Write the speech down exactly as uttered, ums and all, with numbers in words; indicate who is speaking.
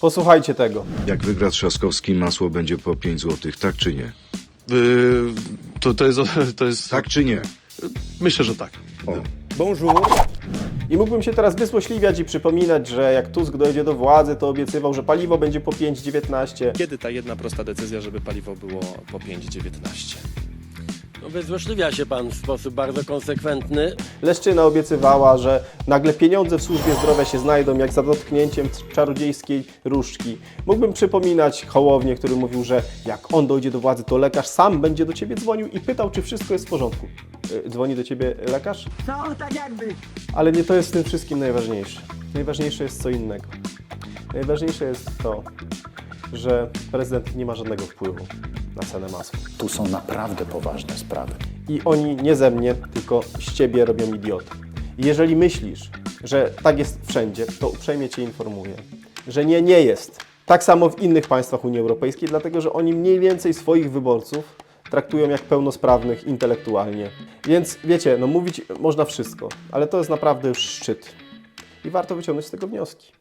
Speaker 1: Posłuchajcie tego.
Speaker 2: Jak wygra Trzaskowski, masło będzie po pięć złotych, tak czy nie?
Speaker 3: Yy, to, to jest... To jest
Speaker 2: Tak czy nie?
Speaker 3: Myślę, że tak.
Speaker 2: O.
Speaker 1: Bonjour. I mógłbym się teraz wysłośliwiać i przypominać, że jak Tusk dojdzie do władzy, to obiecywał, że paliwo będzie po pięć dziewiętnaście.
Speaker 4: Kiedy ta jedna prosta decyzja, żeby paliwo było po pięć dziewiętnaście?
Speaker 5: No, wyzłośliwia się pan w sposób bardzo konsekwentny.
Speaker 1: Leszczyna obiecywała, że nagle pieniądze w służbie zdrowia się znajdą jak za dotknięciem czarodziejskiej różdżki. Mógłbym przypominać Hołownię, który mówił, że jak on dojdzie do władzy, to lekarz sam będzie do ciebie dzwonił i pytał, czy wszystko jest w porządku. Yy, Dzwoni do ciebie lekarz?
Speaker 6: No, tak jakby.
Speaker 1: Ale nie to jest w tym wszystkim najważniejsze. Najważniejsze jest co innego. Najważniejsze jest to, że prezydent nie ma żadnego wpływu na cenę masła.
Speaker 7: Tu są naprawdę poważne sprawy.
Speaker 1: I oni nie ze mnie, tylko z ciebie robią idiotę. I jeżeli myślisz, że tak jest wszędzie, to uprzejmie cię informuję, że nie, nie jest. Tak samo w innych państwach Unii Europejskiej, dlatego że oni mniej więcej swoich wyborców traktują jak pełnosprawnych intelektualnie. Więc wiecie, no mówić można wszystko, ale to jest naprawdę już szczyt. I warto wyciągnąć z tego wnioski.